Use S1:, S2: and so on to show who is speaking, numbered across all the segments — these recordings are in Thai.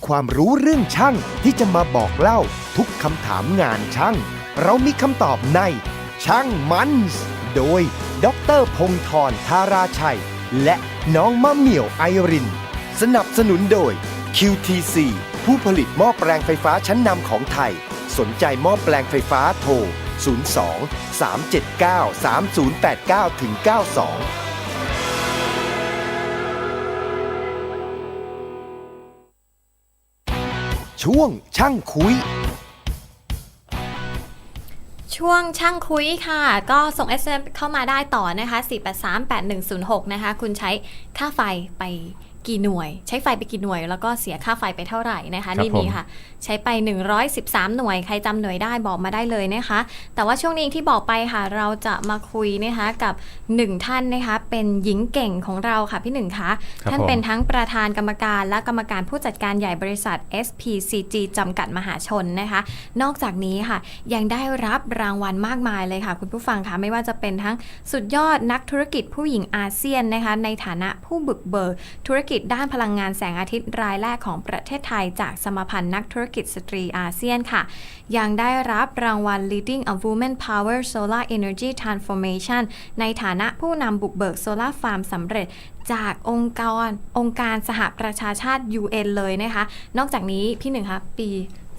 S1: ความรู้เรื่องช่างที่จะมาบอกเล่าทุกคำถามงานช่างเรามีคำตอบในช่างมันส์โดยดร.พงศ์ธร ธาราชัยและน้องมะเหมี่ยวไอรินสนับสนุนโดย QTC ผู้ผลิตหม้อแปลงไฟฟ้าชั้นนำของไทยสนใจหม้อแปลงไฟฟ้าโทร 02-379-3089-92ช่วงช่างคุย
S2: ช่วงช่างคุยค่ะก็ส่ง SMS เข้ามาได้ต่อนะคะ4838106นะคะคุณใช้ค่าไฟไปกี่หน่วยใช้ไฟไปกี่หน่วยแล้วก็เสียค่าไฟไปเท่าไหร่นะคะนี่มีค่ะใช้ไป113หน่วยใครจำหน่วยได้บอกมาได้เลยนะคะแต่ว่าช่วงนี้ที่บอกไปค่ะเราจะมาคุยนะคะกับ1ท่านนะคะเป็นหญิงเก่งของเราค่ะพี่หนึ่งคะท่านเป็นทั้งประธานกรรมการและกรรมการผู้จัดการใหญ่บริษัท SPCG จำกัดมหาชนนะคะนอกจากนี้ค่ะยังได้รับรางวัลมากมายเลยค่ะคุณผู้ฟังคะไม่ว่าจะเป็นทั้งสุดยอดนักธุรกิจผู้หญิงอาเซียนนะคะในฐานะผู้บุกเบิกธุรกิจด้านพลังงานแสงอาทิตย์รายแรกของประเทศไทยจากสมาพันธ์นักธุรกิจสตรีอาเซียนค่ะยังได้รับรางวัล Leading a Women Power Solar Energy Transformation ในฐานะผู้นำบุกเบิกโซลาร์ฟาร์มสำเร็จจากองค์การสหประชาชาติ UN เลยนะคะนอกจากนี้พี่หนึ่งคะปี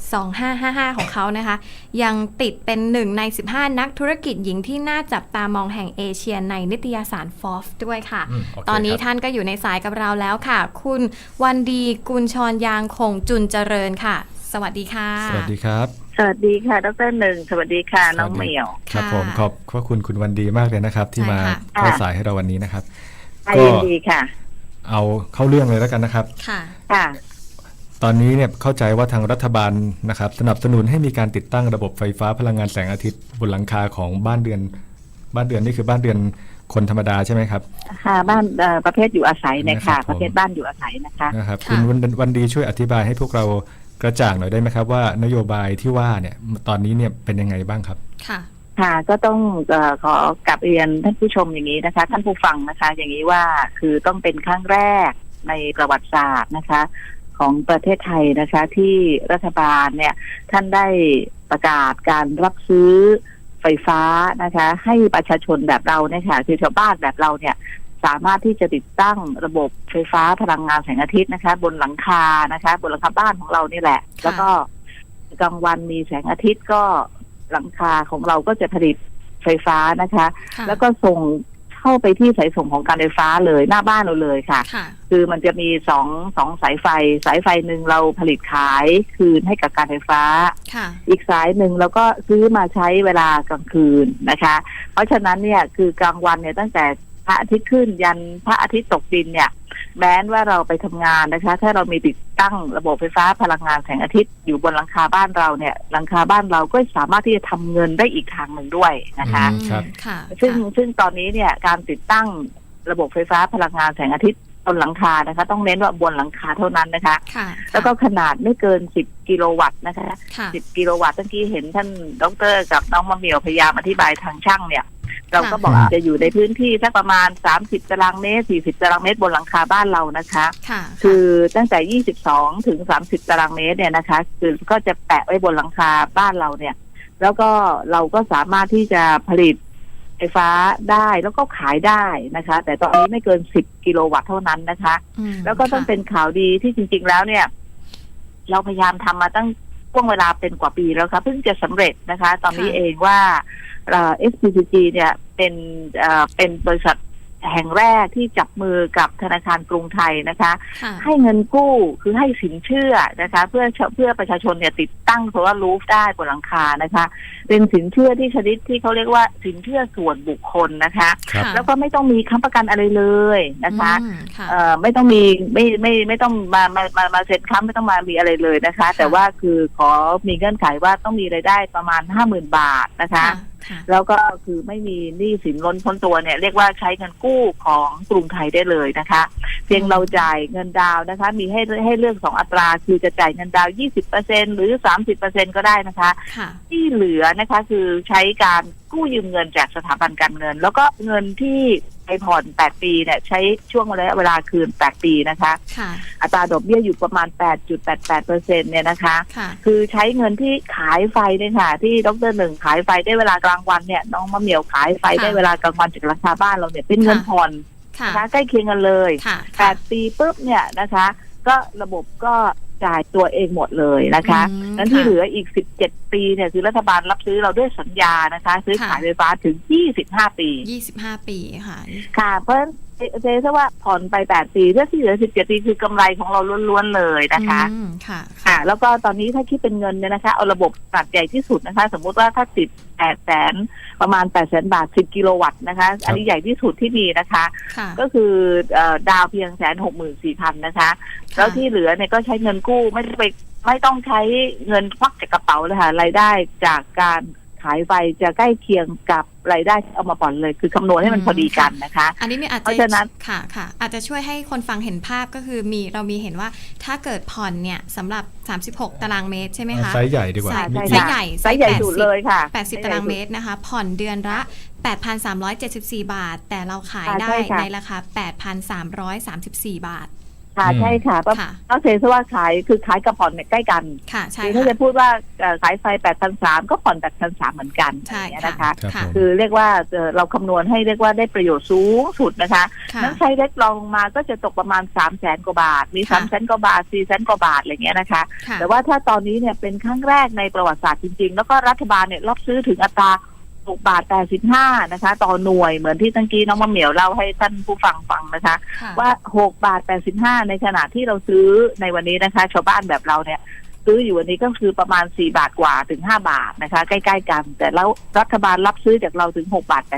S2: 2555ของเขานะคะยังติดเป็น1ใน15นักธุรกิจหญิงที่น่าจับตามองแห่งเอเชียในนิตยสาร Forbes ด้วยค่ะตอนนี้ท่านก็อยู่ในสายกับเราแล้วค่ะคุณวันดีกุลชรยางคงจุนเจริญค่ะสวัสดีค่ะ
S3: สวัสดีครับ
S4: สวัสดีค่ะดร.หนึ่งสวัสดีค่ะน้องเหมียว
S3: ครับผมขอบพระคุณคุณวันดีมากเลยนะครับที่มาเข้าสายให้เราวันนี้นะครับ
S4: ก็ยินดีค่ะ
S3: เอาเข้าเรื่องเลยแล้วกันนะครับ
S4: ค่ะ
S3: ตอนนี้เนี่ยเข้าใจว่าทางรัฐบาลนะครับสนับสนุนให้มีการติดตั้งระบบไฟฟ้าพลังงานแสงอาทิตย์บนหลังคาของบ้านเรือนนี่คือบ้านเรือนคนธรรมดาใช่ไหมครับ
S4: ค่ะบ้านประเภทอยู่อาศัยนะคะประเภทบ้านอยู่อาศัยนะคะ
S3: นะครับคุณวันดีช่วยอธิบายให้พวกเรากระจ่างหน่อยได้ไหมครับว่านโยบายที่ว่าเนี่ยตอนนี้เนี่ยเป็นยังไงบ้างครับ
S4: ค่ะก็ต้องขอกลับเรียนท่านผู้ชมอย่างนี้นะคะท่านผู้ฟังนะคะอย่างนี้ว่าคือต้องเป็นครั้งแรกในประวัติศาสตร์นะคะของประเทศไทยนะคะที่รัฐบาลเนี่ยท่านได้ประกาศการรับซื้อไฟฟ้านะคะให้ประชาชนแบบเราเนี่ยค่ะคือชาวบ้านแบบเราเนี่ยสามารถที่จะติดตั้งระบบไฟฟ้าพลังงานแสงอาทิตย์นะคะบนหลังคานะคะบนหลังคาบ้านของเรานี่แหละแล้วก็กลางวันมีแสงอาทิตย์ก็หลังคาของเราก็จะผลิตไฟฟ้านะคะแล้วก็ส่งเข้าไปที่สายส่งของการไฟฟ้าเลยหน้าบ้านเราเลยค่ะคือมันจะมีสองสายไฟหนึ่งเราผลิตขายคืนให้กับการไฟฟ้าอีกสายหนึ่งเราก็ซื้อมาใช้เวลากลางคืนนะคะเพราะฉะนั้นเนี่ยคือกลางวันเนี่ยตั้งแต่พระอาทิตย์ขึ้นยันพระอาทิตย์ตกดินเนี่ยแม้ว่าเราไปทำงานนะคะถ้าเรามีติดตั้งระบบไฟฟ้าพลังงานแสงอาทิตย์อยู่บนหลังคาบ้านเราเนี่ยหลังคาบ้านเราก็สามารถที่จะทำเงินได้อีกทางหนึ่งด้วยนะคะซึ่งตอนนี้เนี่ยการติดตั้งระบบไฟฟ้าพลังงานแสงอาทิตย์บนหลังคานะคะต้องเน้นว่าบนหลังคาเท่านั้นนะคะแล้วก็ขนาดไม่เกิน10กิโลวัตต์นะคะ10กิโลวัตต์เมื่อกี้เห็นท่านดร.กับน้องมะเหมี่ยวพยายามอธิบายทางช่างเนี่ยเราก็บอกจะอยู่ในพื้นที่สักประมาณ30ตารางเมตร40ตารางเมตรบนหลังคาบ้านเรานะคะคือตั้งแต่22ถึง30ตารางเมตรเนี่ยนะคะคือก็จะแปะไว้บนหลังคาบ้านเราเนี่ยแล้วก็เราก็สามารถที่จะผลิตไฟฟ้าได้แล้วก็ขายได้นะคะแต่ตอนนี้ไม่เกิน10กิโลวัตต์เท่านั้นนะคะแล้วก็ต้องเป็นข่าวดีที่จริงๆแล้วเนี่ยเราพยายามทำมาตั้งช่วงเวลาเป็นกว่าปีแล้วค่ะเพิ่งจะสำเร็จนะคะตอนนี้เองว่าSPCG เนี่ยเป็นบริษัทแห่งแรกที่จับมือกับธนาคารกรุงไทยนะคะให้เงินกู้คือให้สินเชื่อนะคะเพื่อประชาชนเนี่ยติดตั้งโซลาร์รูฟได้บนหลังคานะคะเป็นสินเชื่อที่ชนิดที่เขาเรียกว่าสินเชื่อส่วนบุคคลนะคะแล้วก็ไม่ต้องมีค้ำประกันอะไรเลยนะคะไม่ต้องมีไม่ต้องมาเซ็นค้ำไม่ต้องมามีอะไรเลยนะคะแต่ว่าคือขอมีเงื่อนไขว่าต้องมีรายได้ประมาณ 50,000 บาทนะคะแล้วก็คือไม่มีหนี้สินล้นพ้นตัวเนี่ยเรียกว่าใช้เงินกู้ของกรุงไทยได้เลยนะคะเพียงเราจ่ายเงินดาวนะคะมีให้เลือก2อัตราคือจะจ่ายเงินดาว 20% หรือ 30% ก็ได้นะคะที่เหลือนะคะคือใช้การกู้ยืมเงินจากสถาบันการเงินแล้วก็เงินที่ไปผ่อน8ปีเนี่ยใช้ช่วงระยะเวลาคืน8ปีนะคะ
S2: ค่ะ
S4: อัตราดอกเบี้ยอยู่ประมาณ 8.88% เนี่ยนะคะ
S2: ค่ะ
S4: คือใช้เงินที่ขายไฟเนี่ยค่ะที่ดร.หนึ่งขายไฟได้เวลากลางวันเนี่ยน้องมะเหมี่ยวขายไฟได้เวลากลางวันจากราคาบ้านเราเนี่ยเป็นเงินผ่อน
S2: ค่ะ
S4: นะคะใกล้เคียงกันเลย
S2: ค่ะ
S4: 8 ปีปุ๊บเนี่ยนะคะก็ระบบก็จ่ายตัวเองหมดเลยนะคะนั้นที่เหลืออีก17 ปีเนี่ยคือรัฐบาลรับซื้อเราด้วยสัญญานะคะซื้อขายไฟฟ้าถึง25 ปี
S2: 25 ปีค่ะ
S4: ค่ะเพราะฉะนั้นเจ๊ว่าผ่อนไป8 ปีถ้าที่เหลือ17 ปีคือกำไรของเราล้วนๆเลยนะคะ
S2: ค่ะ
S4: แล้วก็ตอนนี้ถ้าคิดเป็นเงินเนี่ยนะคะเอาระบบขนาดใหญ่ที่สุดนะคะสมมุติว่าถ้าติด800,000ประมาณ800,000 บาท10 กิโลวัตต์นะคะอันนี้ใหญ่ที่สุดที่มีนะคะ
S2: ค่ะ
S4: ก็คือดาวเพียง164,000นะคะแล้วที่เหลือเนี่ยก็ใช้เงินกู้ไม่ต้องใช้เงินควักจากกระเป๋าเลยค่ะรายได้จากการขายไฟจะใกล้เคียงกับรายได้ที่เอามาผ่อนเลยคือคำนวณให้มันพอดีกันนะคะ
S2: อันนี้มีอาจจะ
S4: เพราะฉะนั้น
S2: ค่ะอาจจะช่วยให้คนฟังเห็นภาพก็คือเรามีเห็นว่าถ้าเกิดผ่อนเนี่ยสำหรับ36 ตารางเมตรใช่ไหมคะ
S3: ไซส์ใหญ่ดีกว่า
S2: ไซส์
S3: มี
S2: ไซส์ใหญ่
S4: ไซส์ใหญ่สุดเลยค่ะ
S2: 80 ตารางเมตรนะคะ ผ่อนเดือนละ 8,374 บาท แต่เราขายได้
S4: ใช่ค่ะ
S2: ในราคา 8,334 บาท
S4: ค่ะใช่ค่ะเพราะ
S2: ค่ะ
S4: เซซะว่าขายคือขายกับผ่อนเนี่ยใกล้กัน
S2: ค่ะใช่
S4: คือถ้า
S2: ค่ะ
S4: จะพูดว่าขายไฟ8,300ก็ผ่อน8,300เหมือนกัน
S2: ใช่
S4: อย่างเงี้ย
S2: ค่ะ
S4: นะคะ
S3: ครับ
S2: ค่ะ
S3: ผม
S4: คือเรียกว่าเราคำนวณให้เรียกว่าได้ประโยชน์สูงสุดนะคะ
S2: ค่ะ
S4: นั้นไซส์เล็กลองลงมาก็จะตกประมาณ300,000 กว่าบาทมี
S2: ค่ะ
S4: 300,000 กว่าบาท400,000 กว่าบาทอะไรเงี้ยนะคะ
S2: ค่ะ
S4: แต่ว่าถ้าตอนนี้เนี่ยเป็นครั้งแรกในประวัติศาสตร์จริงๆ แล้วก็รัฐบาลเนี่ยรับซื้อถึงอัตรา6 บาท 85นะคะต่อหน่วยเหมือนที่ตั้งกี้น้องมะเหมียวเล่าให้ท่านผู้ฟังนะคะ
S2: ค่ะ
S4: ว่า6 บาท 85ในขณะที่เราซื้อในวันนี้นะคะชาวบ้านแบบเราเนี่ยซื้ออยู่วันนี้ก็คือประมาณ4 บาทกว่าถึง5 บาทนะคะใกล้ๆกัน แต่แล้วรัฐบาลรับซื้อจากเราถึง6 บาท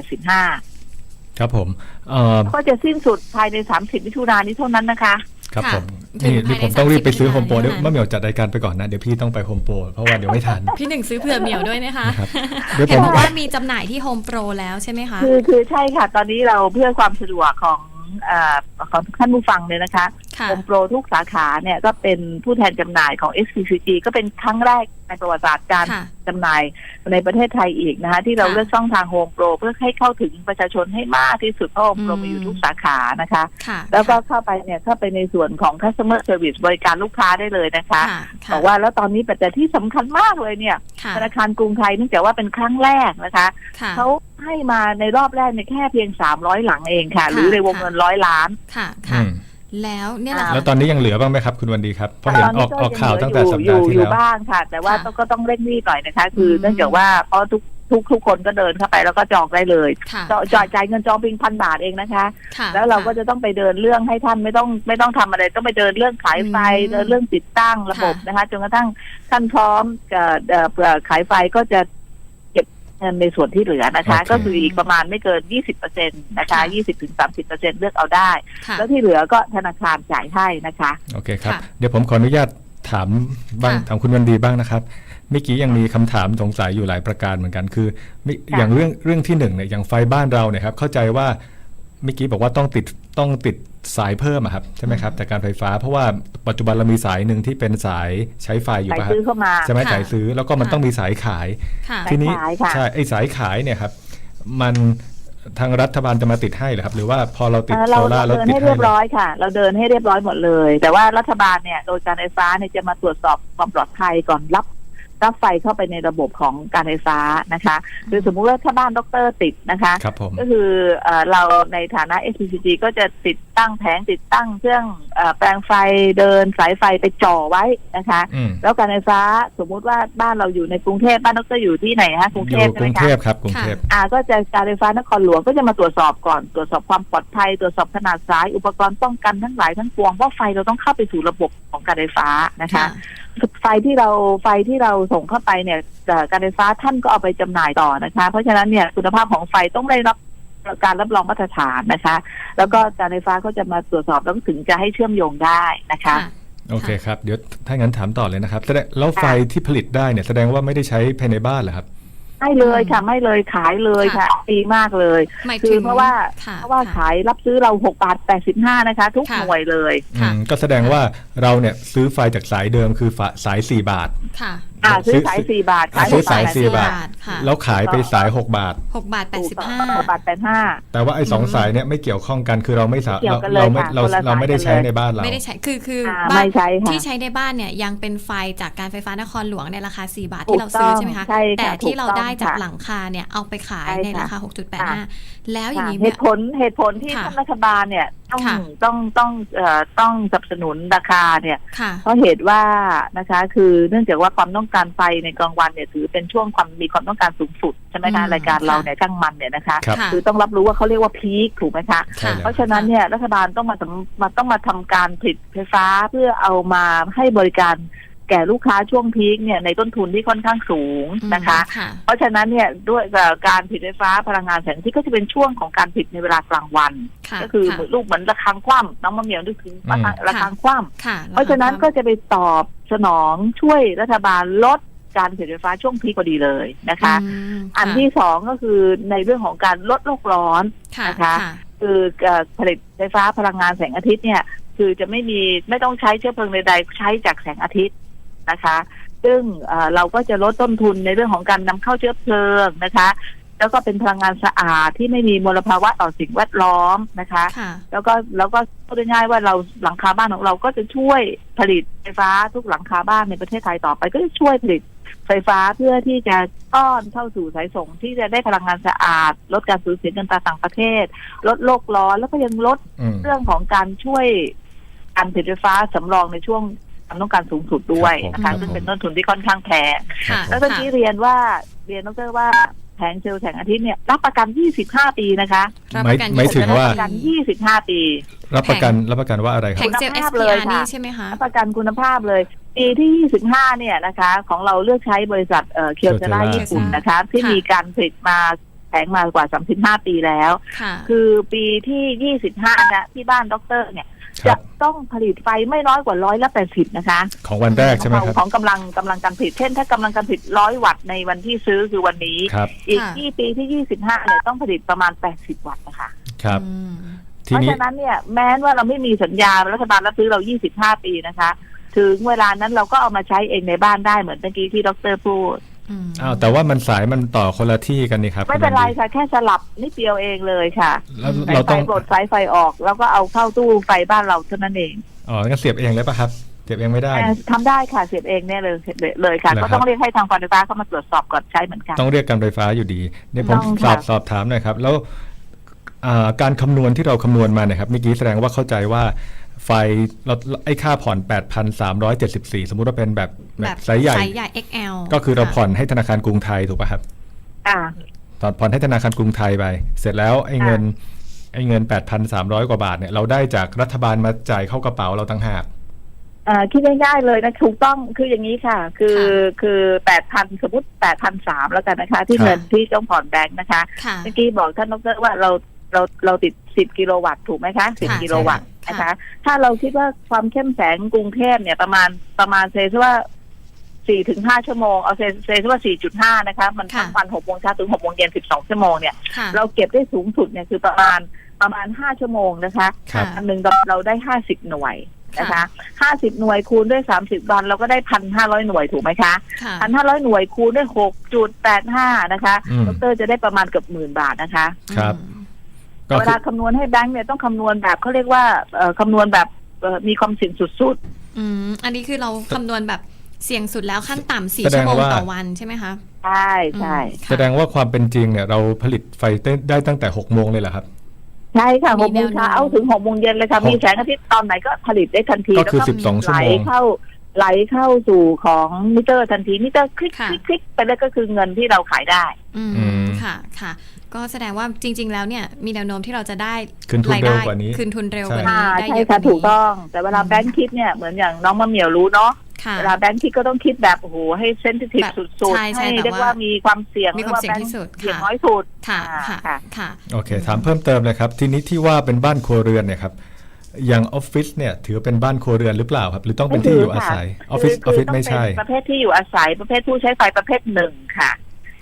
S4: 85
S3: ครับผม
S4: ก็จะสิ้นสุดภายใน30 มิถุนายนนี้เท่านั้นนะคะ
S3: ครับผม
S2: ถึง
S3: นี่
S2: ภายใน
S3: ผมต้องรีบไปซื้อ
S2: 30
S3: โฮมโปร
S2: มิถุ
S3: เดี๋ย
S2: นายว
S3: มะเหมียวจัดรายการไปก่อนนะเดี๋ยวพี่ต้องไปโฮมโปรเพราะว่าเดี๋ยวไม่ทัน
S2: พี่หนึ่งซื้อเผื่อเหมียวด้วยนะคะ
S3: นะครับเดี๋ยวผ
S2: เห็น
S3: ม
S2: บอกว่ามีจำหน่ายที่โฮมโปรแล้วใช่ไหมคะ
S4: คือใช่ค่ะตอนนี้เราเพื่อความสะดวกของท่านผู้ฟังเลยนะคะ
S2: ค่ะ
S4: โฮมโปรทุกสาขาเนี่ยก็เป็นผู้แทนจำหน่ายของ SCCG ก็เป็นครั้งแรกในประวัติศาสตร์การ
S2: ค่ะ
S4: จำหน่ายในประเทศไทยอีกนะคะที่เรา
S2: ค่ะ
S4: เลือกช่องทางโฮมโปรเพื่อให้เข้าถึงประชาชนให้มากที่สุดเพราะโฮมโปรมีอยู่ทุกสาขานะคะ
S2: ค่ะ
S4: แล้วก็เข้าไปในส่วนของ customer service บริการลูกค้าได้เลยนะคะ
S2: ค่ะ
S4: บอกว่าแล้วตอนนี้แต่ที่สำคัญมากเลยเนี่ย
S2: ค่ะ
S4: ธนาคารกรุงไทยเนื่องจากว่าเป็นครั้งแรกนะคะ
S2: ค่ะ
S4: เขาให้มาในรอบแรกในแค่เพียง300 หลังเองค่ะ
S2: ค่ะ
S4: หรือในวงเงิน100 ล้าน
S2: ค่ะ
S3: อื
S2: ค่ะ
S3: ม
S2: แล้วเนี่ยแหละ
S3: แล้วตอนนี้ยังเหลือบ้างไหมครับคุณวันดีครับเพราะเห็นออกข่าวตั้งแต่สัปดาห์ที่
S4: อยู่
S3: แล้ว
S4: บ้างค่ะ แต่ว่าก็ต้องเร่งรีบหน่อยนะคะ คือเนื่องจากว่าเพราะทุกคนก็เดินเข้าไปแล้วก็จองได้เลย
S2: ค่ะ
S4: จ่ายเงินจองเพียง1,000 บาทเองนะคะ
S2: ค่ะ
S4: แล้วเราก็จะต้องไปเดินเรื่องให้ท่านไม่ต้องทำอะไรต้องไปเดินเรื่องขายไฟเดินเรื่องติดตั้งระบบนะคะจนกระทั่งท่านพร้อมขายไฟก็จะเก็บเงินในส่วนที่เหลือนะคะ
S3: โอเค
S4: ก็คืออีกประมาณไม่เกิน 20%นะคะ20-30%เลือกเอาได้
S2: ค่ะ
S4: แล้วที่เหลือก็ธนาคารจ่ายให้นะคะ
S3: โอเคครับ
S2: ค่ะ
S3: เดี๋ยวผมขออนุญาตถามบ้าง
S2: ค่ะ
S3: ถามคุณวันดีบ้างนะครับเมื่อกี้ยังมีคำถามสงสัยอยู่หลายประการเหมือนกันคือมิ
S4: ค่ะ
S3: อย่างเรื่องที่หนึ่งเนี่ยอย่างไฟบ้านเราเนี่ยครับเข้าใจว่าเมื่อกี้บอกว่าต้องติดสายเพิ่มอะครับใช่ไหมครับแต่การไฟฟ้าเพราะว่าปัจจุบันเรามีสายหนึ่งที่เป็นสายใช้ไฟอยู่
S4: จ่าย
S3: ป่ะครั
S4: ซื้อเข้ามา
S3: ใช่ไหม
S2: ค่ะ
S3: สายซื้อแล้วก็มัน
S2: ค่ะ
S3: ต้องมีสายขาย
S2: ค่ะ
S3: ทีนี้
S4: สายขายค่ะ
S3: ใช่ไอ้สายขายเนี่ยครับมันทางรัฐบาลจะมาติดให้เหรอครับหรือว่าพอเราติด
S4: เรา
S3: โซล่าร์เรา
S4: เดิน
S3: ติด
S4: ให้
S3: ให้
S4: เรียบ
S3: เลย
S4: ร้อยค่ะ เราเดินให้เรียบร้อยหมดเลย แต่ว่ารัฐบาลเนี่ยโดยการไฟฟ้าเนี่ยจะมาตรวจสอบความปลอดภัยก่อนรับไฟเข้าไปในระบบของการไฟฟ้านะคะคือสมมุติว่าถ้าบ้านดรติดนะคะ
S3: ครับผม
S4: ก็คือเราในฐานะ SCCG ก็จะติดตั้งแผงติดตั้งเครื่องแปลงไฟเดินสายไฟไปจ่อไว้นะคะ
S3: อืม
S4: แล้วการไฟฟ้าสมมุติว่าบ้านเราอยู่ในกรุงเทพบ้านดรอยู่ที่ไหนฮะกรุง
S3: อ
S4: เท
S3: ยู่
S4: พใช่
S3: ก
S4: ไห
S3: รุ
S4: ม
S3: ง
S4: คะ
S3: เทพครับกรุงเทพ
S4: ก็จะการไฟฟ้านครหลวงก็จะมาตรวจสอบก่อนตรวจสอบความปลอดภัยตรวจสอบขนาดสายอุปกรณ์ป้องกันทั้งหลายทั้งปวงเพราะไฟเราต้องเข้าไปสู่ระบบของการไฟฟ้านะคะ ไฟที่เราส่งเข้าไปเนี่ยการไฟฟ้าท่านก็เอาไปจำหน่ายต่อนะคะ เพราะฉะนั้นเนี่ยคุณภาพของไฟต้องได้รับการรับรองมาตรฐานนะคะ แล้วก็การไฟฟ้าก็จะมาตรวจสอบแล้วถึงจะให้เชื่อมโยงได้นะคะ
S3: โอเคครับเดี๋ยวถ้างั้นถามต่อเลยนะครับแล้วไฟที่ผลิตได้เนี่ยแสดงว่าไม่ได้ใช้ภายในบ้านเหรอครับ
S4: ไม่เลยค่ะไม่เลยขายเลยค่ะดีมากเลย
S2: หมาย
S4: คื
S2: ถึ
S4: อง เพราะว่า
S2: ค่ะ
S4: ขายรับซื้อเรา6.85 บาทนะคะ ทุก
S2: ค่ะ
S4: หน่วยเลย
S2: ค่ะ
S3: ก็แสดงว่าเราเนี่ยซื้อไฟจากสายเดิมคือสาย4 บาท
S2: ค่ะ
S4: ซื้อสาย4 บาทขาย
S3: ซื้อสาย
S2: 4
S3: 4 บาท
S2: ค่ะ
S3: แล้วขายไปสาย6 บาท
S2: 6 บาท
S4: 6.85
S3: แต่ว่าไอ้สองสายเนี่ยไม่เกี่ยวข้องกันคือเราไม่สา
S4: ไม่เกี่ยวกันเลย
S3: เราไม่
S4: ค่ะ
S3: เรา
S4: คนละ
S3: เราไม่ได้
S4: สายกันเลย
S3: ใช้ในบ้านเรา
S2: ไม่ได้ใช้คือ
S4: ไม่
S2: บ้าน
S4: ใช้ค่ะ
S2: ที่ใช้ในบ้านเนี่ยยังเป็นไฟจากการไฟฟ้านครหลวงในราคา4 บาท
S4: ถู
S2: ที่
S4: ก
S2: เราซื้อ
S4: ต้อง
S2: ใช่ไหมคะ
S4: ใช่ค่ะ
S2: แต่ที่
S4: ถูก
S2: เรา
S4: ต้อง
S2: ได้จาก
S4: ค่ะ
S2: หลังคาเนี่ยเอาไปขาย
S4: ใช่
S2: ในราคา
S4: ค่ะ
S2: 6.85 แล้วอย่างนี้
S4: เห
S2: เนี่ย
S4: ตุผลที่
S2: ค่ะ
S4: ท่านรัฐบาลเนี่ยต้อง
S2: ค่ะ
S4: ต้องสนับสนุนราคาเนี่ย
S2: ค่ะ
S4: เพราะเหตุว่านะคะคือเนื่องจากว่าความต้องการไฟในกลางวันเนี่ยถือเป็นช่วงมีความต้องการสูงสุดใช่ไหมคะรายการเราเนี่ยช่างมันเนี่ยนะคะ
S3: ครับ
S2: ค่ะ
S4: คือต้องรับรู้ว่าเขาเรียกว่าพีคถูกไหมคะ
S3: ใช่แล้ว
S4: เพราะฉะนั้นเนี่ยรัฐบาลต้องมาทำการผลิตไฟฟ้าเพื่อเอามาให้บริการแก่ลูกค้าช่วงพีคเนี่ยในต้นทุนที่ค่อนข้างสูงนะคะ
S2: ค่ะ
S4: เพราะฉะนั้นเนี่ยด้วยการผลิตไฟฟ้าพลังงานแสงอาทิตย์ก็จะเป็นช่วงของการผลิตในเวลากลางวัน
S2: ค่ะ
S4: ก็คือ
S2: ค่ะ
S4: ลูกเหมือนระฆังคว่ำน้องมะเหมียวนึกถึงระฆังคว่ำ
S2: ค่ะ
S4: เพราะฉะนั้นก็จะไปตอบสนองช่วยรัฐบาลลดการผลิตไฟฟ้าช่วงพีคพอดีเลยนะคะ อันที่สองก็คือในเรื่องของการลดโลกร้อน
S2: ค่ะ
S4: นะคะ
S2: ค่ะ
S4: คือผลิตไฟฟ้าพลังงานแสงอาทิตย์เนี่ยคือจะไม่ต้องใช้เชื้อเพลิงใดๆใช้จากแสงอาทิตย์นะคะ ซึ่งเราก็จะลดต้นทุนในเรื่องของการนำเข้าเชื้อเพลิงนะคะ แล้วก็เป็นพลังงานสะอาดที่ไม่มีมลภาวะต่อสิ่งแวดล้อมนะคะ
S2: ค่ะ
S4: แล้วก็พูดง่ายๆว่าเราหลังคาบ้านของเราก็จะช่วยผลิตไฟฟ้าทุกหลังคาบ้านในประเทศไทยต่อไปก็จะช่วยผลิตไฟฟ้าเพื่อที่จะต้อนเข้าสู่สายส่งที่จะได้พลังงานสะอาดลดการสูญเสียเงินตราต่างประเทศลดโลกร้อนแล้วก็ยังลด เรื่องของการช่วยการผลิตไฟฟ้าสำรองในช่วงความต้องการสูงสุดด้วยนะ
S3: ครั
S4: คะ
S3: บผม
S4: ซึ่งเป็นต้นทุนที่ค่อนข้างแพง
S2: ค่ะ
S4: แล้วเมื่อกี้เรียนดรว่าแผงเซลล์แสงอาทิตย์เนี่ยรับประกัน 25 ปีนะคะ
S2: รับประกัน
S3: หมายถึงว่า
S4: รับประกัน 25 ปี
S3: รับประกันว่าอะไรค
S2: แผ
S3: รับ
S2: งเซลล์
S4: คุณภาพเลย
S2: SPR
S4: ค่ะ
S2: นี่ใช่ไหมคะ
S4: รับประกันคุณภาพเลย ปีที่ 25 เนี่ยนะคะของเราเลือกใช้บริษัทเคียวเจล่า
S3: Kyocera
S4: ญี่ปุ่นนะคะที่
S2: ค่ะ
S4: มีการผลิตมาแผงมากว่า 35 ปีแล้ว
S2: ค่ะ
S4: คือปีที่ 25 นะที่บ้านดรเนี่ย
S3: ครั
S4: จะ
S3: บ
S4: ต้องผลิตไฟไม่น้อยกว่า180นะคะ
S3: ของวันแรกใช่ไหมครับ
S4: ของกำลังการผลิตเช่นถ้ากำลังการผลิต100 วัตต์ในวันที่ซื้อคือวันนี้
S3: ครับ
S4: อีก
S2: ค่ะ
S4: ที่ปีที่ 25 เนี่ยต้องผลิตประมาณ80 วัตต์นะคะ
S3: ครับ
S2: อืม
S3: ที
S4: เพราะ
S3: นี้
S4: ฉะนั้นเนี่ยแม้ว่าเราไม่มีสัญญารัฐบาลรับซื้อเรา 25 ปีนะคะ ถึงเวลานั้นเราก็เอามาใช้เองในบ้านได้เหมือนเมื่อกี้ที่ดรพูด
S2: อืม
S3: อ้าวแต่ว่ามันสายมันต่อคนละที่กันนี่ครับ
S4: ไม่เป็นไร
S3: คุณ
S4: ค่ะแค่สลับนิดเดียวเองเลยค่ะ
S3: แล้ว
S2: อืม
S3: เรา
S4: ไฟ
S3: ต้อง
S4: ปลดสายไฟออก แล้วก็เอาเข้าตู้ไฟบ้านเราเท่านั้นเอง
S3: อ๋องั้นเสียบเองเลยป่ะครับเสียบเองไม่ได้
S4: ทำได้ค่ะเสียบเองเนี่ยเลยค่ะ
S3: เหรอครับ
S4: ก็ต้องเรียกให้ทางการไฟฟ้าเข้ามาตรวจสอบก่อนใช้เหมือนกัน
S3: ต้องเรียกการไฟฟ้าอยู่ดีเนี่ยผม
S4: ต้องค่ะ
S3: สอบถามหน่อยครับ แล้วการคำนวณที่เราคำนวณมาเนี่ยครับเมื่อกี้แสดงว่าเข้าใจว่าไฟเราไอ้ค่าผ่อน 8,374 สมมุติว่าเป็นแบบไซส์ใหญ่
S2: ไซส์ใหญ่ XL
S3: ก็คือเรา
S2: ะ
S3: ผ่อนให้ธนาคารกรุงไทยถูกป่ะครับ
S4: อ่า
S3: ตอนผ่อนให้ธนาคารกรุงไทยไป เสร็จแล้วไอ้เงิน 8,300 กว่าบาทเนี่ยเราได้จากรัฐบาลมาจ่ายเข้ากระเป๋าเราต่างหาก
S4: คิดง่ายๆเลยนะถูกต้องคืออย่างนี้ค่ะ คือ8,000สมมติ8,300แล้วกันนะคะ ที่
S3: ครับ
S4: เงินที่ต้องผ่อนแบงค์นะคะ
S2: ค่ะ
S4: เมื่อกี้บอกท่านดรว่าเราติด10 กิโลวัตต์ถูกไหมคะ
S2: ค่ะ
S4: 10 กิโลวัตต์
S2: ใช่
S4: นะ
S2: ค่ะ
S4: คะ ถ้าเราคิดว่าความเข้มแสงกรุงเทพเนี่ยประมาณเซซะว่า4-5 ชั่วโมงเอาเซซะว่า 4.5 นะคะมันทั้งวัน6 โมงเช้าถึง6 โมงเย็น12 ชั่วโมงเนี่ย
S2: ค่ะ
S4: เราเก็บได้สูงสุดเนี่ยคือประมาณ5 ชั่วโมงนะคะ
S3: ครับ
S4: อันหนึ่งเราได้50 หน่วยนะคะ50 หน่วยคูณด้วย30 วันเราก็ได้ 1,500 หน่วยถูกไหมคะ
S2: ค่ะ
S4: 1,500 หน่วยคูณด้วย 6.85 นะคะ
S3: อืม
S4: ดรจะได้ประมาณเกือบ10,000 บาทนะคะ
S3: ครับ
S2: อืม
S3: ก็
S4: เว
S3: คื
S4: ลา
S3: อ
S4: คำนวณให้แบงค์เนี่ยต้องคำนวณแบบเขาเรียกว่าคำนวณแบบมีความเสี่ยงสุด
S2: อันนี้คือเราคำนวณแบบเสี่ยงสุดแล้วขั้นต่ำ
S3: แส
S2: 4
S3: ด
S2: ชั่
S3: ง
S2: วโมง
S3: ว่า
S2: ต่อวันใช่ไหมคะ
S4: ๆใช่ใช่
S2: ค่ะ
S3: แสดงว่าความเป็นจริงเนี่ยเราผลิตไฟได้ตั้งแต่6 โมงเลยเหรอครับ
S4: ใช่ค่ะ
S2: มี
S4: 6 โมงเช้า
S2: แนวโน้ม
S4: ถึง 6 โมงเย็นเลยค่ะ
S3: หก
S4: มีแสงอาทิตย์ตอนไหนก็ผลิตได้ทันที
S3: ก็คือ
S4: แล้ว
S3: 12 ชั่วโมง
S4: ไหลเข้าสู่ของมิเตอร์ทันทีมิเตอร์คลิก
S2: ค่ะ
S4: คลิกไปแล้วก็คือเงินที่เราขายได้
S2: อืม
S3: อืม
S2: ค่ะค่ะ ก็แสดงว่าจริง ๆ แล้วเนี่ยมีแนวโน้มที่เราจะได้
S3: คืนทุน
S2: ราย
S3: เร็
S2: ได้
S3: วกว่านี้
S2: คืนทุนเร็ว
S3: ใช่
S2: กว่านี้ได้
S4: ใช่
S2: เยอะก
S4: ค่ะ
S2: ว่านี้
S4: ถูกต้อง แต่เวลาแบงค์คิดเนี่ยเหมือนอย่างน้องมะเหมียวรู้เนาะ
S2: ค่ะ
S4: เวลาแบงค์คิดก็ต้องคิดแบบโอ้โหให้เซนซิทีฟ
S2: แบบ
S4: สุด
S2: ใช่
S4: ๆ
S2: ใช่
S4: ให้
S2: แบบ
S4: เรียกว่ามีความเสี่ยง
S2: มีความเสี่ยงที่สุด
S4: เสี่ยง
S2: ค่ะ
S4: น้อยสุด
S2: ค่ะ
S4: อ่า
S2: ค่ะ
S4: ค่ะ
S2: ค่ะ
S3: โอเคถามเพิ่มเติมเลยครับทีนี้ที่ว่าเป็นบ้านครัวเรือนเนี่ยครับอย่างออฟฟิศเนี่ยถือเป็นบ้านครัวเรือนหรือเปล่าครับหรือต้องเป็นที่อยู่อาศัยออฟฟิศ
S4: คือ
S3: ไม่ใช่
S4: ต้องเป็นประเภทที่อยู่อาศัยประเภทผู้ใช้ไฟประเภทหนึ่งค่ะ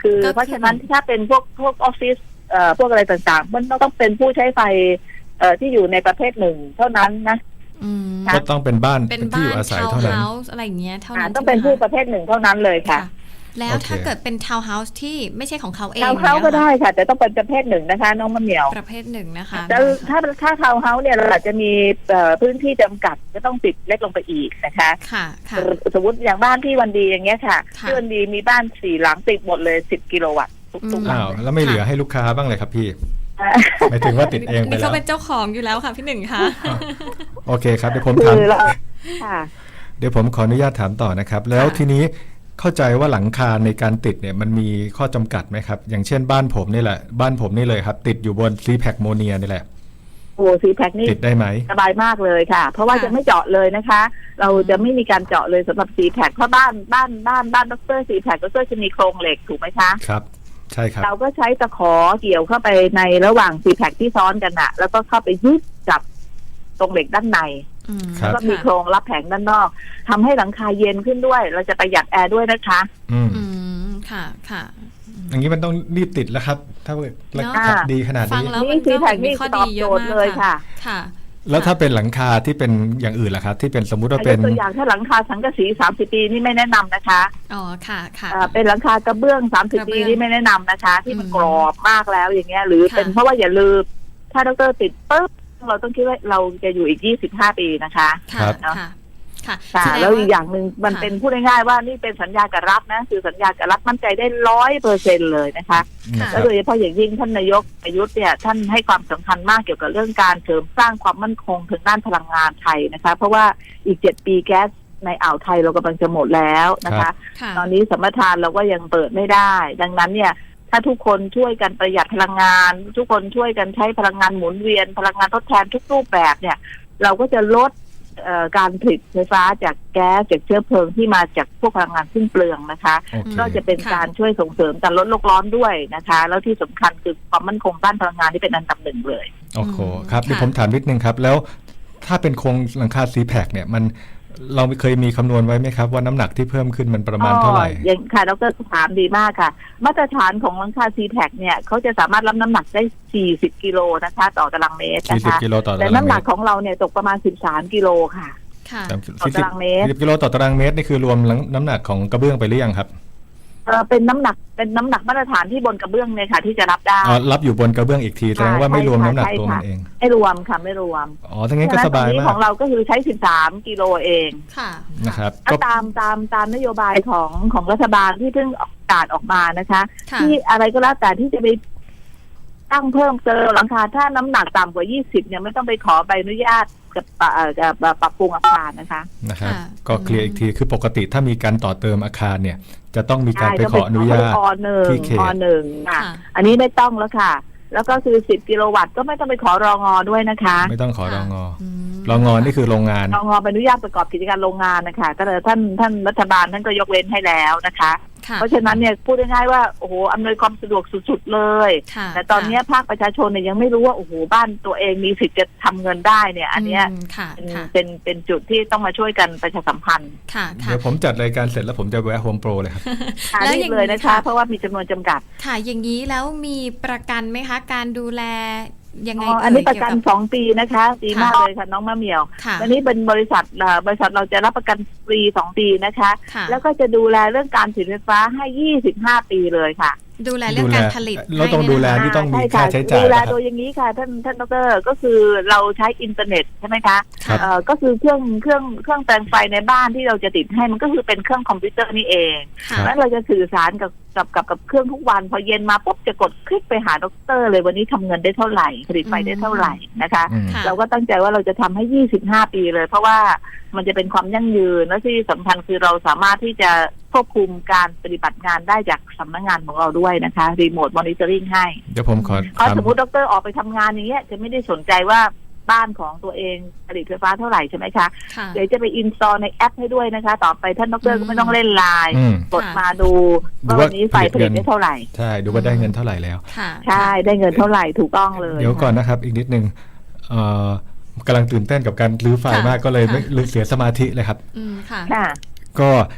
S4: คือ
S2: ก็คือ
S4: เพราะฉะนั้นถ้าเป็นพวกออฟฟิศพวกอะไรต่างๆมันต้องเป็นผู้ใช้ไฟที่อยู่ในประเภทหนึ่งเท่านั้นนะ
S2: อืม
S4: ค่ะ
S3: ก็ต้องเป็นบ้าน
S2: เป็น
S3: ที่
S2: บ้า
S3: อยู่
S2: น
S3: อาศัย
S2: ทาวน์
S3: เท่านั้น
S2: เฮาส์อะไรอย่างเงี้ยเท่านั้น
S4: ต้องเป็น
S2: ใช่ไหม
S4: ผู้
S2: คะ
S4: ประเภทหนึ่งเท่านั้นเลยค่ะ
S2: แล้ว
S3: โอเค
S2: ถ้าเกิดเป็นทาวน์เฮาส์ที่ไม่ใช่ของเขาเอง
S4: ทาวน์เฮาส์ก็ได้ค่ะ แต่ต้องเป็นประเภทหนึ่งนะคะ น้องมะเหมียว
S2: ประเภทหนึ่งนะคะ
S4: แต่ถ้าทาวน์เฮาส์เนี่ยเราอาจจะมีพื้นที่จำกัดก็ต้องติดเล็กลงไปอีกนะคะ
S2: ค่ะค่ะ
S4: สมมติอย่างบ้านที่วันดีอย่างเงี้ยค่ะ
S2: ค่ะ
S4: ที่วันดีมีบ้าน4 หลังติดหมดเลย10 กิโลวัตต์ทุกๆหลั
S3: อ้าง วแล้วไม่เหลือให้ลูกค้าบ้างเลยครับพี่
S4: อ่า
S3: หมายถึงว่าติดเองไป
S2: นี่
S3: แล้
S2: เขา
S3: ว
S2: เป็นเจ้าของอยู่แล้วค่ะพี่หนึ่งค่ะ
S3: โอเคครับเดี๋ยวผม
S4: คื
S3: ถาม
S4: อเราค่ะ
S3: เดี๋ยวผมขออนุญาตถามต่อนะครับ แล้วทีนี้เข้าใจว่าหลังคาในการติดเนี่ยมันมีข้อจำกัดไหมครับ อย่างเช่นบ้านผมนี่แหละบ้านผมนี่เลยครับ ติดอยู่บนซีแพคโมเนียนี่แหละ
S4: โอ้ซีแพคนี่
S3: ติดได้ไหม
S4: สบายมากเลยค่ะ เพราะว่า
S2: ค่ะ
S4: จะไม่เจาะเลยนะคะ เราจะไม่มีการเจาะเลยสำหรับซีแพคเพราะบ้านดรซีแพคดรจะมีโครงเหล็กถูกไหมคะ
S3: ครับ ใช่ครับ
S4: เราก็ใช้ตะขอเกี่ยวเข้าไปในระหว่างซีแพคที่ซ้อนกันอะแล้วก็เข้าไปยึดกับตรงเหล็กด้านใน
S2: อืม
S3: ครั
S4: แล้ว
S3: บ
S4: ก็มีโครงรับแผงด้านนอกทำให้หลังคาเย็นขึ้นด้วย เราจะประหยัดแอร์ด้วยนะคะ
S3: อืม
S2: อืมค่ะค่ะ
S3: อย่างนี้มันต้องรีบติดแล้วครับ ถ้าราคา
S4: เนาะ
S3: ดีขนาด
S2: ฟัง
S3: นี้
S2: แล้ว
S4: นี่
S2: มัน
S4: ซี
S2: ก็
S4: แพค
S2: มี
S4: นี่
S2: ข้อ
S4: ต
S2: ดี
S4: อบ
S2: เย
S4: โจ
S2: อะ
S4: ทย์
S2: มาก
S4: เลยค่ะ
S2: ค่ะ
S3: แล้วถ้าเป็นหลังคาที่เป็นอย่างอื่นล่ะครับ ที่เป็นสมมุติว่าเป็น
S4: ตัวอย่างถ้าหลังคาสังกะสี30 ปีนี่ไม่แนะนำนะคะ
S2: อ๋อค่ะค่ะ
S4: เป็นหลังคากระเบื้อง
S2: กระ
S4: 30
S2: เบื้
S4: ปี
S2: อง
S4: นี่ไม่แนะนำนะคะ ที่มัน
S2: อืม
S4: กรอบมากแล้วอย่างเงี้ย หรือ
S2: ค่ะ
S4: เป็นเพราะว่าอย่าลืมถ้าดรติดปุ๊บเราต้องคิดว่าเราจะอยู่อีก25 ปีนะคะ
S2: ค่ะ
S3: ครับ
S2: ค่ะค่ะ
S4: ค่ะ
S2: แสดง
S4: แล้วอีกอย่างหนึ่งมัน
S2: ค่ะ
S4: เป็นพูดง่ายๆว่านี่เป็นสัญญากับรัฐนะคือสัญญากับรัฐมั่นใจได้100%เลยนะคะ
S3: นะค
S4: แล้
S3: รั
S4: ว
S3: บ
S4: โดยเฉพาะอย่างยิ่งท่านนายกประยุทธ์เนี่ยท่านให้ความสำคัญมากเกี่ยวกับเรื่องการเสริมสร้างความมั่นคงทางด้านพลังงานไทยนะคะ เพราะว่าอีก7 ปีแก๊สในอ่าวไทยเรากำลังจะหมดแล้วนะคะ
S2: ค่ะ
S4: ตอนนี้สัมปทานเราก็ยังเปิดไม่ได้ ดังนั้นเนี่ยถ้าทุกคนช่วยกันประหยัดพลังงาน ทุกคนช่วยกันใช้พลังงานหมุนเวียนพลังงานทดแทนทุกรูปแบบเนี่ยเราก็จะลดการผลิตไฟฟ้าจากแก๊สจากเชื้อเพลิงที่มาจากพวกพลังงานสิ้นเปลืองนะคะ
S3: โอเค
S4: ก็จะเป็นการช่วยส่งเสริมการลดโลกร้อนด้วยนะคะ แล้วที่สำคัญคือความมั่นคงด้านพลังงานที่เป็นอันดับหนึ่งเลย
S3: โอ้โหครับ
S2: ค่ะ
S3: เดี๋ยวผมถามนิดนึงครับ แล้วถ้าเป็นโครงหลังคาซีแพคเนี่ยมันเราเคยมีคำนวณไว้ไหมครับ ว่าน้ำหนักที่เพิ่มขึ้นมันประมาณเท่าไหร่
S4: อย่างค่ะดรถามดีมากค่ะ มาตรฐานของหลังคาซีแพคเนี่ยเขาจะสามารถรับน้ำหนักได้40 กิโลนะคะต่อตารางเมตรนะคะ
S3: 40 กิโลต่อ
S4: แต่
S3: ตาราง
S4: น้ำ
S3: เม
S4: หนัก
S3: ตร
S4: ของเราเนี่ยตกประมาณ13 กิโลค่ะ
S2: ค่ะ
S4: ต่อตารางเมตร
S3: 40 กิโลต่อตารางเมตรนี่คือรวมน้ำหนักของกระเบื้องไปหรือยังครับ
S4: เป็นน้ำหนักมาตรฐานที่บนกระเบื้องเนี่ยค่ะที่จะรับได้
S3: อ๋อรับอยู่บนกระเบื้องอีกทีแสดงว่าไม่รวมน้ำหนักตัวมันเอง
S4: ไม่รวมค่ะไม่รวม
S3: อ๋อทั้งนั้นก็สบาย
S4: ฉะนั้นตรงนี้
S3: มา
S4: ข
S3: ก
S4: องเราก็คือใช้13 กิโลเอง
S2: ค่ะ
S3: นะครับ
S4: ก็
S3: ก็
S4: ตามนโยบายของรัฐบาลที่เพิ่งประกาศออกมานะคะ
S2: ค่ะ
S4: ที่อะไรก็แล้วแต่ที่จะไปตั้งเพิ่มเติมหลังคาถ้าน้ำหนักต่ำกว่า20เนี่ยไม่ต้องไปขอใบอนุญาตกับปรับปรุงอาคารนะคะ
S3: นะครับ
S2: ค่ะ
S3: ก็เคลียร์อีกทีคือปกติถ้ามีการต่อเติมอาคารเนี่ย จะต้องมีการไป
S4: ใช่
S3: ขออนุญาต
S4: อหนึ่ง
S3: ที่เขต
S4: อหนึ่งค่ะ
S2: ค่ะ
S4: อันนี้ไม่ต้องแล้วค่ะ แล้วก็คือ10 กิโลวัตต์ก็ไม่ต้องไปขอรองอด้วยนะคะ
S3: ไม่ต้องขอรองอ
S2: อืม
S3: รองอนี่คือโรงงาน
S4: รองอใบอนุญาตประกอบกิจการโรงงานนะคะก็เลยท่านรัฐบาลท่านก็ยกเว้นให้แล้วนะคะ
S2: ค่ะ
S4: เพราะฉะนั้นเนี่ยพูดง่ายๆว่าโอ้โหอำนวยความสะดวกสุดๆเลย
S2: ค่ะ
S4: แต่ตอนนี้ภาคประชาชนเนี่ยยังไม่รู้ว่าโอ้โหบ้านตัวเองมีสิทธิ์จะทำเงินได้เนี่ย อันเนี้ย
S2: มค่ะ
S4: เป็น
S2: ค่ะ
S4: เป็นจุดที่ต้องมาช่วยกันประชาสัมพันธ์
S2: ค่ะค่ะ
S3: เดี๋ยวผมจัดรายการเสร็จแล้วผมจะแวะโฮมโปรเลยครับ
S2: แล้ว
S4: รี
S2: อย่า
S4: บ
S2: งนี้
S4: เลยนะคะ
S2: ค่ะ
S4: เพราะว่ามีจำนวนจำกัด
S2: ค่ะ อย่างนี้แล้วมีประกันไหมคะ การดูแลยังไง
S4: อันนี้ประกัน
S2: เกี่ยว
S4: 2 ปีนะคะดีมากเลยค่ะน้องมะเหมียว
S2: ค่ะ
S4: วันนี้เป็นบริษัทเราจะรับประกันฟรี2 ปีนะคะ
S2: ค่ะ
S4: แล้วก็จะดูแลเรื่องการผลิตไฟฟ้าให้25 ปีเลยค่ะ
S2: ดูแลเรื่องการผลิต
S3: เราต้อง
S2: ให้
S3: ดูแล
S2: เนี่ยนะคะ
S3: นี่ต้องมี
S4: ช่
S3: ค่า
S4: ค่ะ
S3: ใช้จ่าย
S4: ดูแล
S3: นะครับ
S4: โดยอย่างนี้ค่ะท่านดรก็คือเราใช้อินเทอร์เน็ตใช่ไหมคะ
S3: ครับ
S4: ก็คือเครื่องแปลงไฟในบ้านที่เราจะติดให้มันก็คือเป็นเครื่องคอมพิวเตอร์นี่เอง
S2: ค่ะ
S4: แล้วเราจะสื่อสารกับเครื่องทุกวันพอเย็นมาปุ๊บจะกดคลิกไปหาดรเลยวันนี้ทำเงินได้เท่าไหร่ผลิตไฟได้เท่าไหร่นะคะ
S3: อืม
S2: ค่ะ
S4: เราก็ตั้งใจว่าเราจะทำให้25 ปีเลย เพราะว่ามันจะเป็นความยั่งยืนและที่สำคัญคือเราสามารถที่จะควบคุมการปฏิบัติงานได้จากสำนักงานของเราด้วยนะคะรีโมทมอนิเตอร์ริงให้
S3: เดี๋ยวผมขอ
S4: เพราะ
S3: ถาม
S4: สมมติดรออกไปทำงานอย่างเงี้ยจะไม่ได้สนใจว่าบ้านของตัวเองผลิตไฟฟ้าเท่าไหร่ใช่ไหมคะ
S2: ค่ะ
S4: เดี๋ยวจะไปอินสตอลในแอปให้ด้วยนะคะ ต่อไปท่านดรก็ไม่ต้องเล่นไลน์
S3: อืม
S4: กดมาดู
S3: ดู
S4: ว่า
S3: ว่า
S4: วันนี้ไฟผลิตได้เท่าไหร่
S3: ใช่ดูว่าได้เงินเท่าไหร่แล้ว
S2: ค่ะ
S4: ใช่ได้เงินเท่าไหร่ถูกต้องเลย
S3: เดี๋ยวก่อนนะครับ อีกนิดนึงกำลังตื่นเต้นกับการรื้อไฟล์มากก็เลยไม่เสียสมาธิเลยครับ
S2: อืมค่ะ
S4: ค่ะ
S3: ก็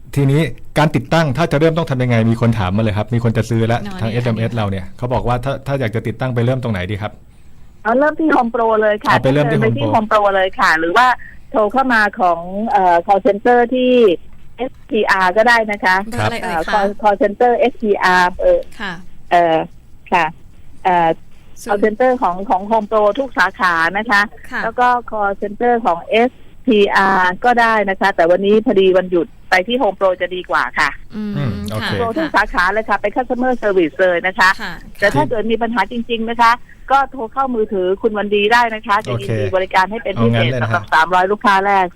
S3: ทีนี้การติดตั้งถ้าจะเริ่มต้องทำยังไงมีคนถามมาเลยครับมีคนจะซื้อแล้ว
S2: อ๋อ
S3: ทาง
S2: นี่
S3: SMS เราเนี่ยเขาบอกว่าถ้าอยากจะติดตั้งไปเริ่มตรงไหนดีครับ
S4: เอาเริ่มที่ Home Pro เลยค่ะ
S3: เอาไปเริ่มที่
S4: ดิน
S3: Home Pro
S4: Home Pro เลยค่ะ หรือว่าโทรเข้ามาของcall center ที่ SPR ก็ได้นะคะ
S2: เบอร์อะไรเอ่ยคะ
S4: call center SPR
S2: ค่ะ
S4: ค่ะcall center ของ Home Pro ทุกสาขานะคะ
S2: ค่ะ
S4: แล้วก็ call center ของ SPR ก็ได้นะคะ แต่วันนี้พอดีวันหยุดไปที่ Home Pro จะดีกว่าค่ะ
S3: โอเค
S4: โทรทุกสาขาเลยค่ะไป customer service เลยนะคะ
S2: ค่ะ
S4: แต่ถ้าเกิดมีปัญหาจริงๆนะคะ ก็โทรเข้ามือถือคุณวันดีได้นะคะ จะยินดีบริการให้เป็นพิเศษสำหรับ300 ลูกค้าแรก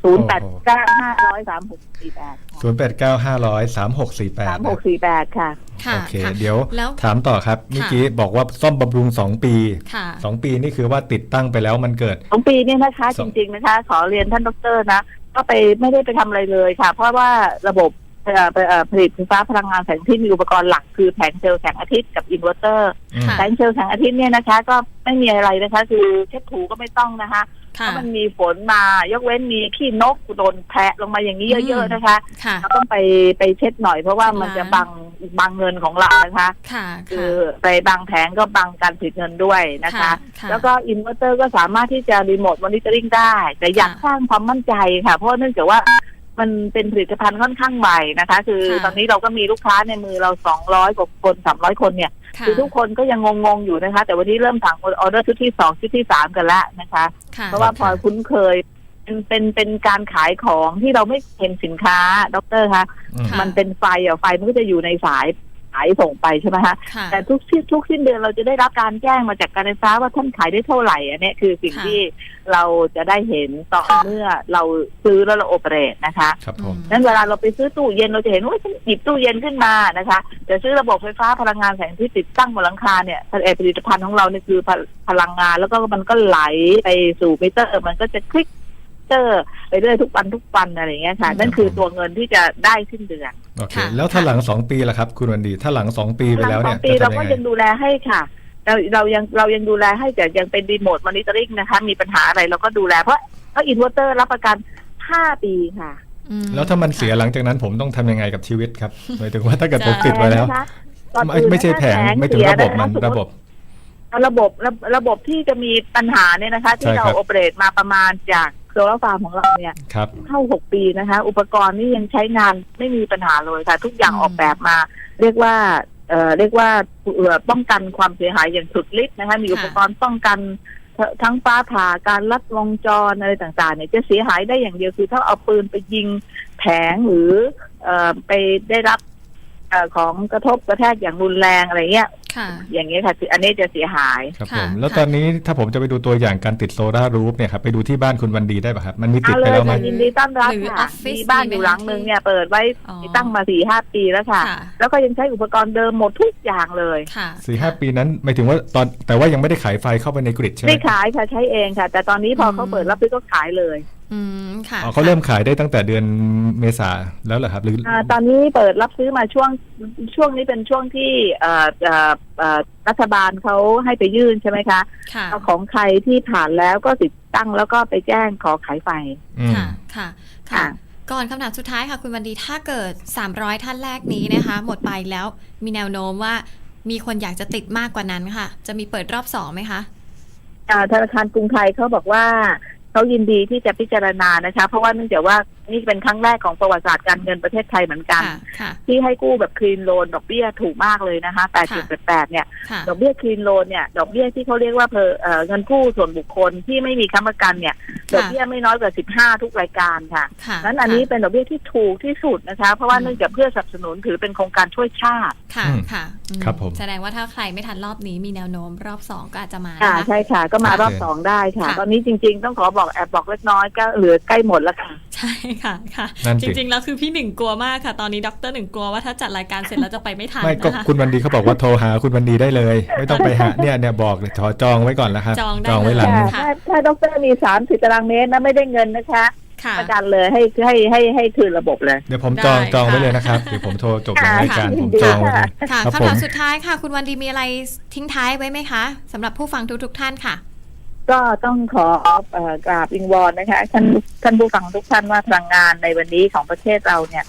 S4: 0895003648
S3: 0895003648
S4: ค่ะ
S2: ค่ะ
S3: โอเค
S2: ค่ะ
S3: เดี๋ยว
S2: แล้ว
S3: ถามต่อครับเมื่อกี้บอกว่าซ่อมบำรุง2 ปี
S2: ค่ะ
S3: 2 ปีนี่คือว่าติดตั้งไปแล้วมันเกิด
S4: 2 ปีเนี่ยนะคะ
S3: ส
S4: จ
S3: อง
S4: ริงๆนะคะ ขอเรียนท่านดร.นะ ก็ไม่ได้ไปทำอะไรเลยค่ะ เพราะว่าระบบผลิตไฟฟ้าพลังงานแสงอาทิตย์มีอุปกรณ์หลักคือแผงเซลล์แสงอาทิตย์กับอินเวอร์เตอร์
S2: ค่ะ
S4: แผงเซลล์แสงอาทิตย์เนี่ยนะคะ ก็ไม่มีอะไรนะคะ คือเช็ดถูก็ไม่ต้องนะคะเพ
S2: ค่ะ
S4: ราะมันมีฝนมายกเว้นมีขี้นกโดนแพะลงมาอย่างนี้เยอะๆนะคะ
S2: ค่ะ
S4: เราต้องไปเช็ดหน่อยเพราะว่ามันจะบังเงินของเรานะคะ
S2: ค่ะ
S4: คือไปบังแผงก็บังการผลิตเงินด้วยนะคะ
S2: ค่ะ
S4: แล้วก็อินเวอร์เตอร์ก็สามารถที่จะรีโมทมอนิเตอร์ริงได้ แต่อยาก
S2: ค่ะ
S4: สร้างความมั่นใจค่ะ เพราะเนื่องจากว่ามันเป็นผลิตภัณฑ์ค่อนข้างใหม่นะคะ คือ
S2: ค่ะ
S4: ตอนนี้เราก็มีลูกค้าในมือเรา200 กว่าคน300 คนเนี่ย
S2: ค่ะ
S4: คือทุกคนก็ยังงงๆอยู่นะคะ แต่วันนี้เริ่มสั่งออเดอร์ชุดที่2ชุดที่3กันแล้วนะคะ
S2: ค่ะ
S4: เพราะว่าพอคุ้นเคยเป็นการขายของที่เราไม่เห็นสินค้าดรคะ
S2: ค่ะ
S4: มันเป็นไฟไฟมันก็จะอยู่ในสายส่งไปใช่ไหมคะ
S2: ค่ะ
S4: แต่ทุกสิ้นเดือนเราจะได้รับการแจ้งมาจากการไฟฟ้าว่าท่านขายได้เท่าไหร่อันนี้คือสิ่ง
S2: ค่ะ
S4: ที่เราจะได้เห็นต่อเมื่อเราซื้อแล้วเราโอเปเรตนะคะ
S3: ครับผม
S4: นั้นเวลาเราไปซื้อตู้เย็นเราจะเห็นว่าฉันหยิบตู้เย็นขึ้นมานะคะแต่ซื้อระบบไฟฟ้าพลังงานแสงที่ติดตั้งบนหลังคาเนี่ยผลิตภัณฑ์ของเราเนี่ยคือพลังงานแล้วก็มันก็ไหลไปสู่มิเตอร์มันก็จะคลิกไปเรื่อยทุกวันอะไรอย่างเงี้ยค่ะนั่นคือตัวเงินที่จะได้สิ้นเดือน
S3: โอเค
S2: ค่ะ
S3: แล้วถ้าหลัง2 ปีล่ะครับคุณวันดีถ้าหลัง2 ปีไปแล้วเนี่ย
S4: หง2 ปี
S3: จะ
S4: เรา
S3: ทำยั
S4: ก็
S3: งไง
S4: ยังดูแลให้ค่ะเรายังดูแลให้แต่ยังเป็นรีโมทมอนิเตอร์ริงนะคะมีปัญหาอะไรเราก็ดูแลเพราะอินเวอร์เตอร์รับประกัน5 ปีค่ะ
S3: แล้วถ้ามันเสียหลังจากนั้นผมต้องทำยังไงกับชีวิตครับหมายถึงว่าถ้าเกิดผมติดไว้แล้ว
S4: นะคะก่อนอื่น
S3: ไม่ใช่แผงไม่ถึงระบบมัน
S4: เสีย
S3: ระบบ
S4: ระบบที่จะมีปัญหาเนี่ยนะคะ ที่
S3: ใช่
S4: เรา
S3: ครับ
S4: โอเปเรตมาประมาณจากโซลาร์ฟาร์มของเราเนี่ย
S3: ครับ
S4: เข้า6 ปีนะคะ อุปกรณ์นี่ยังใช้งานไม่มีปัญหาเลยค่ะ ทุกอย่างออกแบบมา เรียกว่าป้องกันความเสียหายอย่างสุดฤทธิ์นะคะ มีอุปกรณ์ป้องกันทั้งฟ้าผ่าการลัดวงจรอะไรต่างๆเนี่ยจะเสียหายได้อย่างเดียวคือถ้าเอาปืนไปยิงแผงหรือไปได้รับของกระทบกระแทกอย่างรุนแรงอะไรเงี้ย
S2: ค่ะ
S4: อย่างเงี้ยค่ะคืออันนี้จะเสียหาย
S3: ครับผ
S2: ค่ะ
S3: มแล้ว
S2: ค่ะ
S3: ตอนนี้ถ้าผมจะไปดูตัวอย่างการติดโซลาร์รูฟเนี่ยครับไปดูที่บ้านคุณวันดีได้ป่ะครับมันมีติด
S4: เอา
S3: ไป
S4: เลย
S3: แล้วไหม
S4: ค่ะยินดีต้อนรับ
S2: หรือ
S4: ค่ะ
S2: ออฟฟิศ
S4: มีบ้านอยู่หลังนึงเนี่ยเปิดไว้
S2: อ๋อ
S4: ตั้งมา 4-5 ปีแล้วค่ะ
S2: ค่ะ
S4: แล้วก็ยังใช้อุปกรณ์เดิมหมดทุกอย่างเลย
S2: ค่ะ
S3: 4-5 ปีนั้นหมายถึงว่าแต่ว่ายังไม่ได้ขายไฟเข้าไปในกริดใช่ไหม
S4: ไม่ขายค่ะใช้เองค่ะ แต่ตอนนี้พอเขาเปิดรับซื้อก็ขายเลย
S2: ค่ะ
S3: อ๋อเขาเริ่มขายได้ตั้งแต่เดือนเมษาแล้วเหรอครับหรือ
S4: ตอนนี้เปิดรับซื้อมาช่วงนี้เป็นช่วงที่รัฐบาลเขาให้ไปยื่นใช่ไหมคะ
S2: ค่ะ
S4: เอาของใครที่ผ่านแล้วก็ติดตั้งแล้วก็ไปแจ้งขอขายไฟ
S3: อืม
S2: ค่ะ ค่ะ ค่ะ
S4: ค่ะ
S2: ก่อนคำถามสุดท้ายค่ะคุณวันดี ถ้าเกิด 300 ท่านแรกนี้นะคะ หมดไปแล้วมีแนวโน้มว่ามีคนอยากจะติดมากกว่านั้นค่ะ จะมีเปิดรอบ2ไหมคะ
S4: ธนาคารกรุงไทยเขาบอกว่าเขายินดีที่จะพิจารณานะคะ เพราะว่าเนื่องจากว่านี่เป็นครั้งแรกของประวัติศาสตร์การเงินประเทศไทยเหมือนกัน
S2: ค่ะ ค่ะ
S4: ที่ให้กู้แบบคลีนโลนดอกเบี้ยถูกมากเลยนะคะ 8.88 เนี่ย
S2: ค่ะ
S4: ดอกเบี้ยคลีนโลนเนี่ยดอกเบี้ยที่เขาเรียกว่าเงินกู้ส่วนบุคคลที่ไม่มีค้ำประกันเนี่ยดอกเบี้ยไม่น้อยกว่า15 ทุกรายการค่ะ
S2: ค่ะ
S4: นั้นอันนี้เป็นดอกเบี้ยที่ถูกที่สุดนะคะ เพราะว่าเนื่องจากเพื่อสนับสนุนถือเป็นโครงการช่วยชาติ
S2: ค่ะ
S3: อืม
S2: ค่ะอืม
S3: ครับผม
S2: แสดงว่าถ้าใครไม่ทันรอบนี้มีแนวโน้มรอบ2ก็อาจจะมา
S4: อ่า
S2: นะคะ
S4: ใช่ค่ะ ก็มารอบ
S3: โอเค
S4: 2ได้ค่ะ
S2: ค่ะ
S4: ตอนนี้จริงๆต้องขอบอกแอบบอกเล็กน้อยก็เหลือใกล้หมดแล้วค่ะ
S2: ใช่ค่ะ ค่ะ
S3: นั่น
S2: จ
S3: สิ
S2: ริงๆ แล้วคือพี่หนึ่งกลัวมากค่ะ ตอนนี้ดรหนึ่งกลัวว่าถ้าจัดรายการเสร็จแล้วจะไปไม่ทัน
S3: ไม่ก็
S2: นะคะ
S3: คุณวันดีเขาบอกว่าโทรหาคุณวันดีได้เลย ไม่ต้องไปหาเนี่ยบอกเลยขอจองไว้ก่อนแล้วครับ
S2: จองได้
S3: ไว้หลัง
S2: เลย
S4: ถ้าดรมี30 ตารางเมตรนะไม่ได้เงินนะคะ
S2: ค่ะ
S4: ประกันเลยให้คืนระบบเลย
S3: เดี๋ยวผม
S2: ได้
S3: จองไว้
S2: ค่ะ
S3: เลยนะครับเดี๋ยวผมโทรจบหลังรายการ
S4: ค่ะ
S3: ผมจองไว้เลย
S2: ค่ะ
S3: ครับ
S2: คำ
S3: ผม
S2: ถามสุดท้ายค่ะ คุณวันดีมีอะไรทิ้งท้ายไว้ไหมคะสำหรับผู้ฟังทุกท่านค่ะ
S4: ก็ต้องขอกราบวิงวอนนะคะท่านผู้ฟังทุกท่านว่าพลังงานในวันนี้ของประเทศเราเนี่ย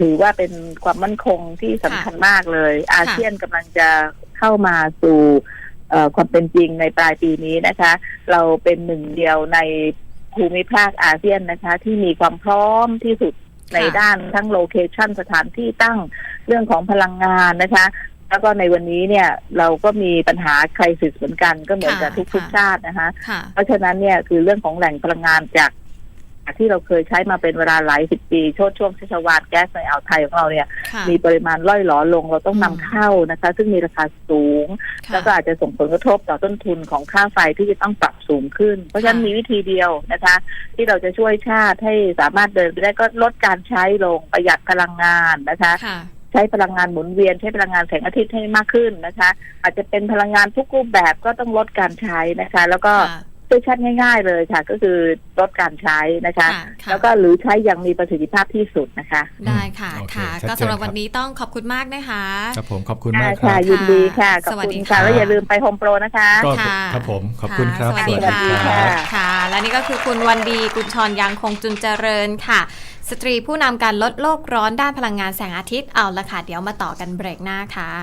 S4: ถือว่าเป็นความมั่นคงที่สำคัญมากเลย อาเซียนกำลังจะเข้ามาสู่ความเป็นจริงในปลายปีนี้นะคะ เราเป็นหนึ่งเดียวในภูมิภาคอาเซียนนะคะ ที่มีความพร้อมที่สุดในด้านทั้งโลเคชันสถานที่ตั้งเรื่องของพลังงานนะคะ แล้วก็ในวันนี้เนี่ยเราก็มีปัญหาไครซิสเหมือนกันก็เหมือนกับทุกชาตินะคะเพราะฉะนั้นเนี่ยคือเรื่องของแหล่งพลังงานจากที่เราเคยใช้มาเป็นเวลาหลายสิบปีช่วงชัชวาลแก๊สในอ่าวไทยของเราเนี่ยมีปริมาณล่อยหลอลงเราต้องนำเข้านะคะซึ่งมีราคาสูงแล้วก็อาจจะส่งผลกระทบต่อต้นทุนของค่าไฟที่จะต้องปรับสูงขึ้นเพราะฉะนั้นมีวิธีเดียวนะคะที่เราจะช่วยชาติให้สามารถเดินไปได้ก็ลดการใช้ลงประหยัดพลังงานนะคะใช้พลังงานหมุนเวียนใช้พลังงานแสงอาทิตย์ให้มากขึ้นนะคะอาจจะเป็นพลังงานทุกรูปแบบก็ต้องลดการใช้นะคะแล้วก็ชัดง่ายๆเลยค่ะก็คือลดการใช้นะคะแล้วก็หรือใช้อย่างมีประสิทธิภาพที่สุดนะคะ
S2: ได้ค่ะค่ะก็สำหรับวันนี้ต้องขอบคุณมากนะคะ
S3: ครับผมขอบคุณมากครับ
S4: ยินดีค่ะขอบคุณค่ะแล้วอย่าลืมไปโฮมโปรนะคะ
S3: ครับผมขอบคุณครับ
S2: สวัสดีค่ะค่ะและนี่ก็คือคุณวันดีกุลชรยังคงจุนเจริญค่ะสตรีผู้นำการลดโลกร้อนด้านพลังงานแสงอาทิตย์เอาละค่ะเดี๋ยวมาต่อกันเบรกหน้าค่ะ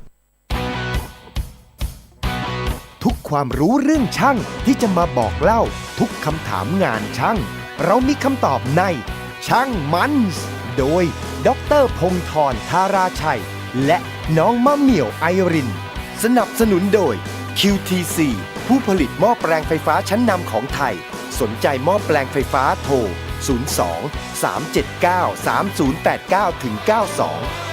S1: ทุกความรู้เรื่องช่างที่จะมาบอกเล่าทุกคำถามงานช่างเรามีคำตอบในช่างมันส์โดยดร.พงศ์ธร ธาราชัยและน้องมะเหมี่ยวไอรินสนับสนุนโดย QTC ผู้ผลิตหม้อแปลงไฟฟ้าชั้นนำของไทยสนใจหม้อแปลงไฟฟ้าโทร 02 379 3089 92